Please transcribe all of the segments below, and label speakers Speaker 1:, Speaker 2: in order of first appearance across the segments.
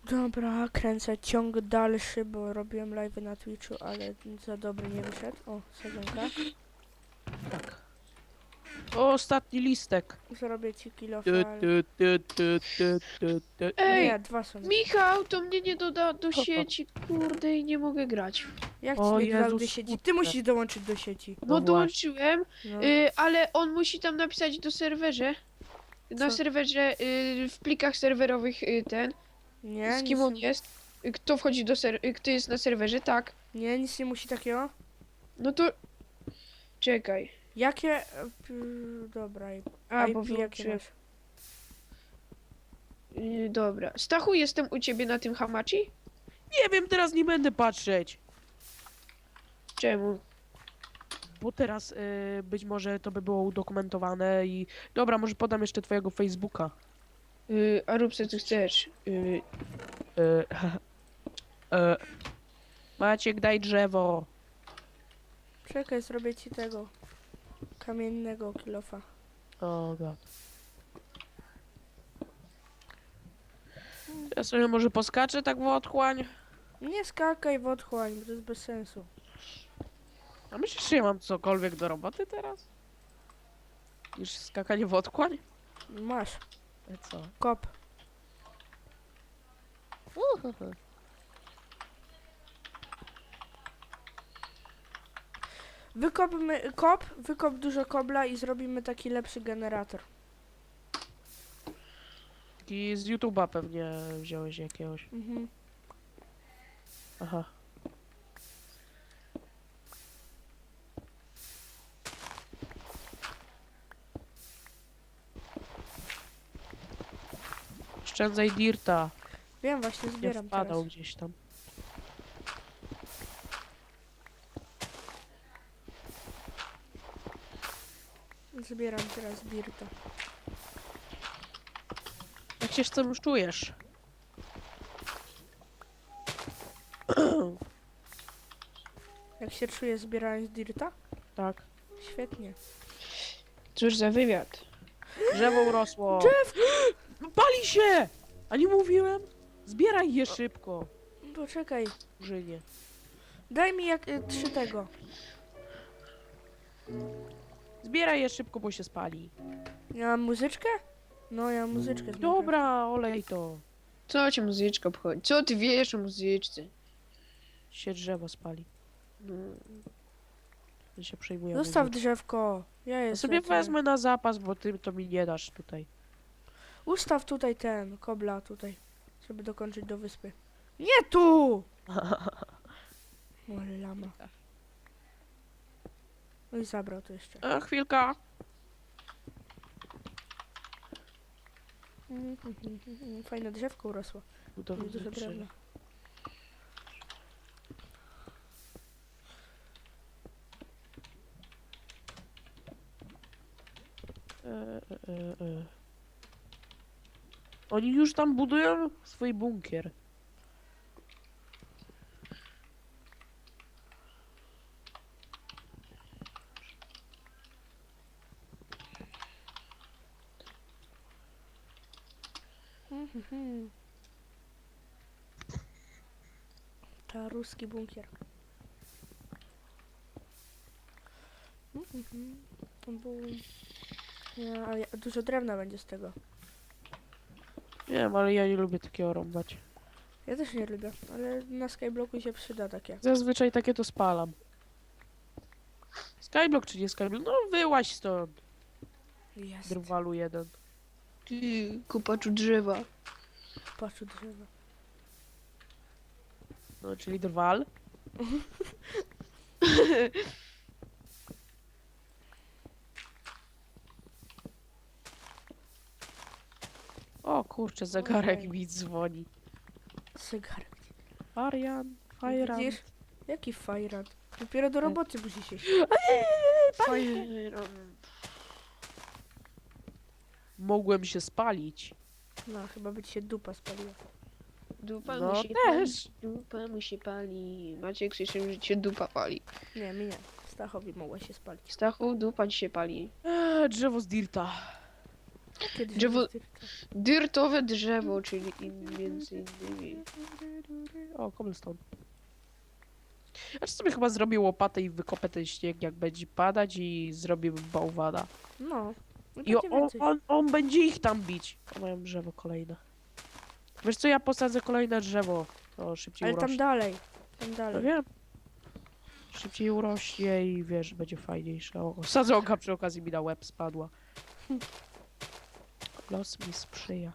Speaker 1: Dobra, kręcę ciąg dalszy, bo robiłem live na Twitchu, ale za dobry nie wyszedł. O, sadzonka.
Speaker 2: Tak. O, ostatni listek.
Speaker 1: Zrobię ci kilo
Speaker 2: Tu,
Speaker 1: fal.
Speaker 2: tu, tu, tu, tu, tu, tu.
Speaker 3: Ej,
Speaker 1: Nie, dwa są.
Speaker 3: Michał, to mnie nie doda do sieci, kurde, i nie mogę grać.
Speaker 1: Jak ci
Speaker 2: O
Speaker 1: nie dodał do
Speaker 2: Jezus,
Speaker 1: sieci?
Speaker 2: kurde.
Speaker 1: Ty musisz dołączyć do sieci.
Speaker 2: No
Speaker 3: No
Speaker 2: właśnie.
Speaker 3: dołączyłem,
Speaker 1: No.
Speaker 3: ale on musi tam napisać do serwerze. Na
Speaker 1: Co?
Speaker 3: serwerze, w plikach serwerowych
Speaker 1: Nie,
Speaker 3: z kim
Speaker 1: nic
Speaker 3: on
Speaker 1: nie-
Speaker 3: jest, kto wchodzi do kto jest na serwerze, tak.
Speaker 1: Nie, nic nie musi takiego.
Speaker 3: No to... Czekaj.
Speaker 1: Jakie... dobra,
Speaker 3: A,
Speaker 1: IP
Speaker 3: bo
Speaker 1: jakie
Speaker 3: wyłączyłem.
Speaker 1: masz?
Speaker 3: Dobra. Stachu, jestem u ciebie na tym hamachi?
Speaker 2: Nie wiem, teraz nie będę patrzeć.
Speaker 3: Czemu?
Speaker 2: Bo teraz być może to by było udokumentowane i... Dobra, może podam jeszcze twojego Facebooka.
Speaker 3: A rób co ty chcesz.
Speaker 2: E, e, Maciek, daj drzewo.
Speaker 1: Czekaj, zrobię ci tego. Kamiennego kilofa.
Speaker 2: O god. Ja sobie może poskaczę tak w otchłań.
Speaker 1: Nie skakaj w otchłań, bo to jest bez sensu.
Speaker 2: A myślisz, że ja mam cokolwiek do roboty teraz? Niż skakanie w otchłań?
Speaker 1: Masz.
Speaker 2: Co?
Speaker 1: Kop. Wykop dużo kobla i zrobimy taki lepszy generator.
Speaker 2: Taki z YouTube'a pewnie wziąłeś jakiegoś.
Speaker 1: Mhm.
Speaker 2: Aha. Oszczędzaj dirta.
Speaker 1: Wiem, właśnie
Speaker 2: Nie
Speaker 1: zbieram
Speaker 2: wpadał
Speaker 1: teraz.
Speaker 2: gdzieś tam.
Speaker 1: Zbieram teraz birta.
Speaker 2: Jak się z tym już czujesz?
Speaker 1: Jak się czuję zbierając dirta?
Speaker 2: Tak.
Speaker 1: Świetnie.
Speaker 3: Cóż za wywiad.
Speaker 2: Drzewo urosło. Pali się! A nie mówiłem? Zbieraj je szybko.
Speaker 1: Poczekaj.
Speaker 2: Murzynie.
Speaker 1: Daj mi jak 3 tego.
Speaker 2: Zbieraj je szybko, bo się spali.
Speaker 1: Ja mam muzyczkę? No, ja mam muzyczkę. z Minecrafta.
Speaker 2: Dobra, olej to.
Speaker 3: Co ci muzyczka obchodzi? Co ty wiesz o muzyczce?
Speaker 2: Się drzewo spali.
Speaker 3: No.
Speaker 2: Ja się przejmuję.
Speaker 1: Zostaw drzewko. Ja
Speaker 2: Ja
Speaker 1: jestem.
Speaker 2: sobie wezmę na zapas, bo ty to mi nie dasz tutaj.
Speaker 1: Ustaw tutaj ten, kobla tutaj. Żeby dokończyć do wyspy. Nie tu! O, lama. No i zabrał to jeszcze.
Speaker 2: Chwilka.
Speaker 1: Fajne drzewko urosło.
Speaker 2: Budowy
Speaker 1: Dużo drewna.
Speaker 2: Oni już tam budują swój bunkier.
Speaker 1: Ta ruski bunkier. Bum. Ja, ale dużo drewna będzie z tego.
Speaker 2: Nie wiem, ale ja nie lubię takiego rąbać.
Speaker 1: Ja też nie lubię, ale na Skyblocku się przyda takie.
Speaker 2: Zazwyczaj takie to spalam. Skyblock czy nie Skyblock? No wyłaź stąd.
Speaker 1: Jest.
Speaker 2: Drwalu jeden.
Speaker 3: Ty, kopaczu drzewa.
Speaker 1: Patrz drzewa.
Speaker 2: No, czyli drwal. O kurczę, zegarek
Speaker 1: Okej.
Speaker 2: mi dzwoni.
Speaker 1: Zegarek.
Speaker 2: Arian, Fajran.
Speaker 1: Widzisz? Jaki fajrant? Dopiero do roboty musi się.
Speaker 2: Mogłem się spalić.
Speaker 1: No, chyba by ci się dupa spaliła.
Speaker 3: Dupa
Speaker 2: No
Speaker 3: mu się
Speaker 2: też.
Speaker 3: pali. Dupa mu się pali. Maciek słyszy, że cię dupa pali.
Speaker 1: Nie, mi nie. Stachowi mogła się spalić.
Speaker 3: Stachu, dupa ci się pali.
Speaker 2: Drzewo z dirta.
Speaker 1: Kiedyś
Speaker 3: Drzewo-
Speaker 1: jest dyrta.
Speaker 3: Dyrtowe drzewo, czyli między innymi.
Speaker 2: O, cobblestone. Ja sobie chyba zrobię łopatę i wykopę ten śnieg, jak będzie padać i zrobię bałwana.
Speaker 1: No. I
Speaker 2: I
Speaker 1: będzie więcej.
Speaker 2: on będzie ich tam bić. O, mają drzewo kolejne. Wiesz co, ja posadzę kolejne drzewo. To szybciej
Speaker 1: Ale tam
Speaker 2: urośnie.
Speaker 1: dalej. Tam
Speaker 2: No
Speaker 1: dalej.
Speaker 2: wiem. Szybciej urośnie i wiesz, będzie fajniejsze. O, sadzonka przy okazji mi na łeb spadła. Los mi sprzyja.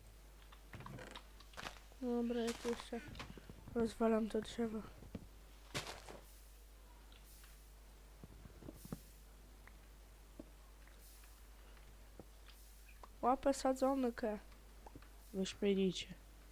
Speaker 1: Dobra, ja tu jeszcze rozwalam to drzewo. Łapę sadzonkę.
Speaker 2: Wyśmienicie.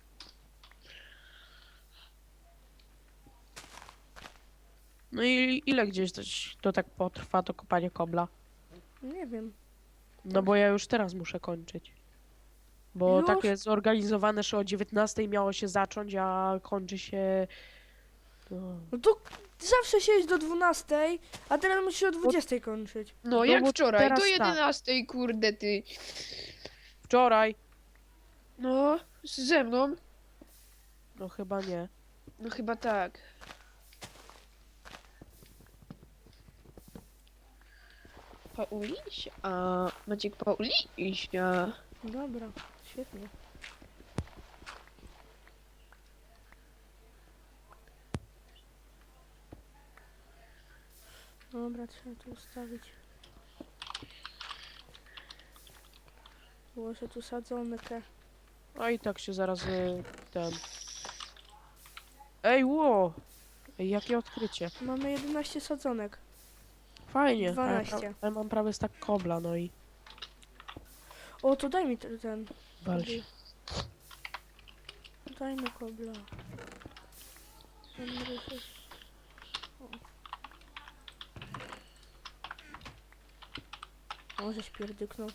Speaker 2: No i ile gdzieś to tak potrwa, to kopanie kobla?
Speaker 1: Nie wiem.
Speaker 2: No bo ja już teraz muszę kończyć. Bo
Speaker 1: Już?
Speaker 2: tak jest zorganizowane, że o 19 miało się zacząć, a kończy się... No,
Speaker 1: No to zawsze siedzieć do 12, a teraz musisz o 20 kończyć.
Speaker 3: No
Speaker 2: No
Speaker 3: jak
Speaker 2: bo
Speaker 3: wczoraj,
Speaker 2: teraz
Speaker 3: do
Speaker 2: tak.
Speaker 3: 11, kurde ty.
Speaker 2: wczoraj!
Speaker 3: No, ze mną?
Speaker 2: No chyba nie.
Speaker 3: No chyba tak. Paulisia. A Maciek Paulisia.
Speaker 1: Dobra, świetnie. Dobra, trzeba tu ustawić. Włożę tu sadzonkę.
Speaker 2: No i tak się zaraz ten... Ej, ło! Ej, jakie odkrycie.
Speaker 1: Mamy 11 sadzonek.
Speaker 2: Fajnie.
Speaker 1: 12.
Speaker 2: Ja mam prawie tak kobla, no i...
Speaker 1: O, to daj mi ten.
Speaker 2: Wal się.
Speaker 1: Daj mi kobla. Ten ryżek. O. Może śpierdyknął.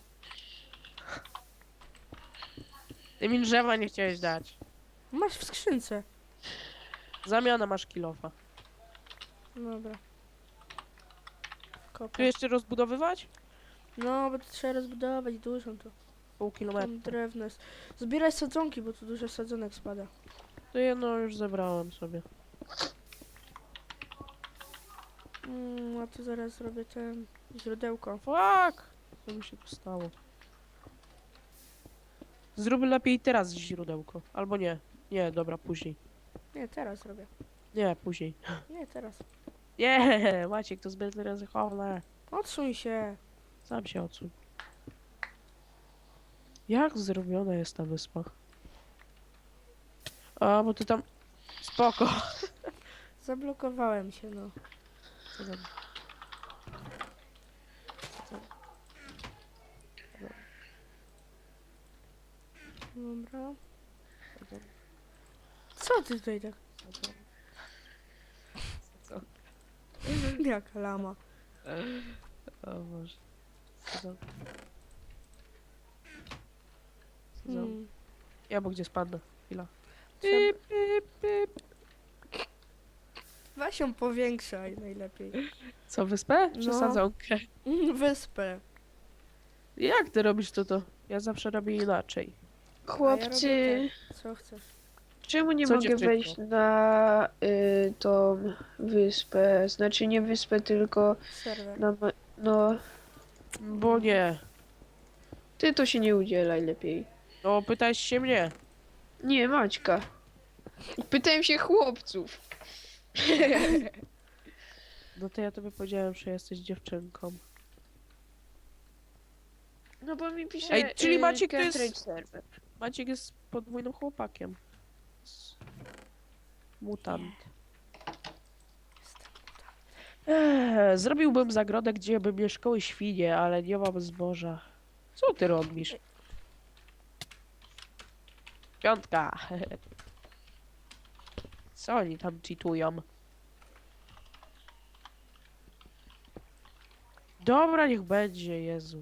Speaker 2: Ty mi drzewa nie chciałeś dać.
Speaker 1: Masz w skrzynce.
Speaker 2: Zamiana masz kilofa.
Speaker 1: Dobra.
Speaker 2: Tu
Speaker 1: Kopę.
Speaker 2: jeszcze rozbudowywać?
Speaker 1: No, bo to trzeba rozbudować dużą to.
Speaker 2: Pół kilometra.
Speaker 1: Tam drewno jest. Zbieraj sadzonki, bo tu dużo sadzonek spada.
Speaker 2: To jedno już zebrałem sobie.
Speaker 1: A tu zaraz zrobię ten źródełko.
Speaker 2: Fuck! Co mi się tu stało? Zrób lepiej teraz źródełko. Albo nie. Nie, dobra, później.
Speaker 1: Nie, teraz robię.
Speaker 2: Nie, później.
Speaker 1: Nie, teraz.
Speaker 2: Nie, Maciek, to zbyt ryzykowne.
Speaker 1: Odsuń się.
Speaker 2: Sam się odsuń. Jak zrobiona jest ta wyspa? A, bo ty tam... Spoko.
Speaker 1: Zablokowałem się, no.
Speaker 2: Co tam? Co tam?
Speaker 1: Dobra.
Speaker 2: Co tam?
Speaker 1: Co ty tutaj tak?
Speaker 2: Co tam? Co?
Speaker 1: Jaka lama.
Speaker 2: O Boże. Co tam? Co tam?
Speaker 1: Hmm.
Speaker 2: Ja bo gdzie spadnę? Chwila.
Speaker 1: Trzeba...
Speaker 2: Pip, pip, pip.
Speaker 1: Weź ją powiększaj najlepiej.
Speaker 2: Co, wyspę? Czy
Speaker 1: No.
Speaker 2: sadzonkę?
Speaker 1: Wyspę.
Speaker 2: Jak ty robisz to? Ja zawsze robię inaczej.
Speaker 3: Chłopcy,
Speaker 1: Co chcesz?
Speaker 3: czemu nie
Speaker 2: Co,
Speaker 3: mogę
Speaker 2: dziewczynko?
Speaker 3: wejść na tą wyspę? Znaczy nie wyspę, tylko
Speaker 1: Serwer.
Speaker 3: na... No,
Speaker 2: Bo nie.
Speaker 3: ty to się nie udzielaj lepiej.
Speaker 2: No, pytałeś się mnie.
Speaker 3: Nie, Maćka. Pytałem się chłopców.
Speaker 2: No to ja tobie powiedziałem, że jesteś dziewczynką.
Speaker 3: No bo mi pisze...
Speaker 2: Ej, czyli Maciek to jest-
Speaker 3: Cartridge server.
Speaker 2: Maciek jest podwójnym chłopakiem. Mutant. Zrobiłbym zagrodę, gdzie by mieszkały świnie, ale nie mam zboża. Co ty robisz? Piątka. Co oni tam cheatują? Dobra, niech będzie, Jezu.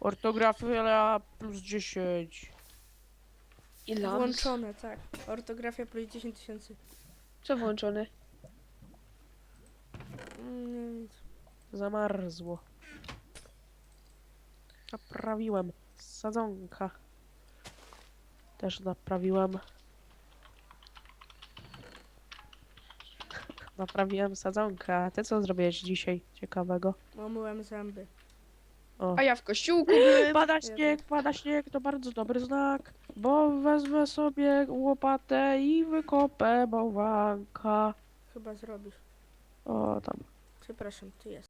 Speaker 2: Ortografia plus 10.
Speaker 3: Ile?
Speaker 1: Włączone, tak. Ortografia plus 10 tysięcy.
Speaker 3: Co włączone?
Speaker 1: Nic.
Speaker 2: Zamarzło. Naprawiłem. Sadzonka. Też naprawiłem. Naprawiłem sadzonkę. A ty co zrobiłeś dzisiaj ciekawego?
Speaker 1: Omyłem zęby.
Speaker 2: O.
Speaker 3: A ja w kościółku byłem.
Speaker 2: Pada śnieg, to bardzo dobry znak. Bo wezmę sobie łopatę i wykopę bałwanka.
Speaker 1: Chyba zrobisz.
Speaker 2: O, tam.
Speaker 1: Przepraszam, ty jest.